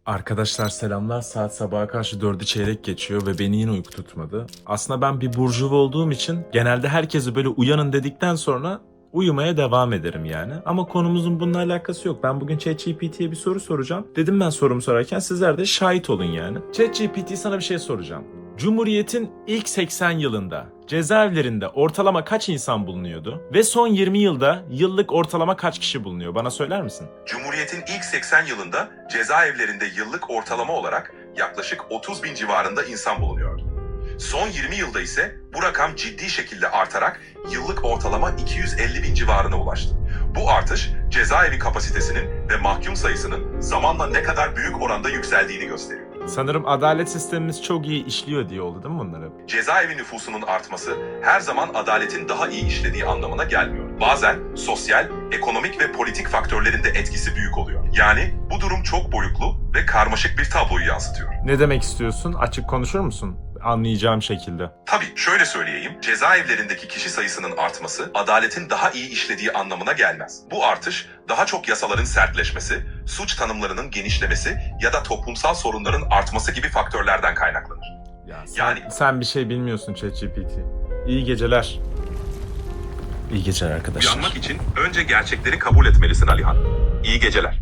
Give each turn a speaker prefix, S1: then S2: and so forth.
S1: Arkadaşlar selamlar. Saat sabaha karşı 4'ü çeyrek geçiyor ve beni yine uyku tutmadı. Aslında ben bir burjuva olduğum için genelde herkesi böyle uyanın dedikten sonra uyumaya devam ederim yani. Ama konumuzun bununla alakası yok. Ben bugün ChatGPT'ye bir soru soracağım. Dedim ben sorumu sorarken sizler de şahit olun yani. ChatGPT sana bir şey soracağım. Cumhuriyet'in ilk 80 yılında cezaevlerinde ortalama kaç insan bulunuyordu? Ve son 20 yılda yıllık ortalama kaç kişi bulunuyor? Bana söyler misin?
S2: Cumhuriyet'in ilk 80 yılında cezaevlerinde yıllık ortalama olarak yaklaşık 30 bin civarında insan bulunuyordu. Son 20 yılda ise bu rakam ciddi şekilde artarak yıllık ortalama 250 bin civarına ulaştı. Bu artış cezaevi kapasitesinin ve mahkum sayısının zamanla ne kadar büyük oranda yükseldiğini gösteriyor.
S1: Sanırım adalet sistemimiz çok iyi işliyor diye oldu değil mi bunlar hep?
S2: Cezaevi nüfusunun artması her zaman adaletin daha iyi işlediği anlamına gelmiyor. Bazen sosyal, ekonomik ve politik faktörlerin de etkisi büyük oluyor. Yani bu durum çok boyutlu ve karmaşık bir tabloyu yansıtıyor.
S1: Ne demek istiyorsun? Açık konuşur musun? Anlayacağım şekilde.
S2: Tabii şöyle söyleyeyim, cezaevlerindeki kişi sayısının artması adaletin daha iyi işlediği anlamına gelmez. Bu artış daha çok yasaların sertleşmesi, suç tanımlarının genişlemesi ya da toplumsal sorunların artması gibi faktörlerden kaynaklanır.
S1: Ya
S2: Yani-
S1: sen bir şey bilmiyorsun ChatGPT. İyi geceler. İyi geceler arkadaşlar.
S2: Uyanmak için önce gerçekleri kabul etmelisin Alihan. İyi geceler.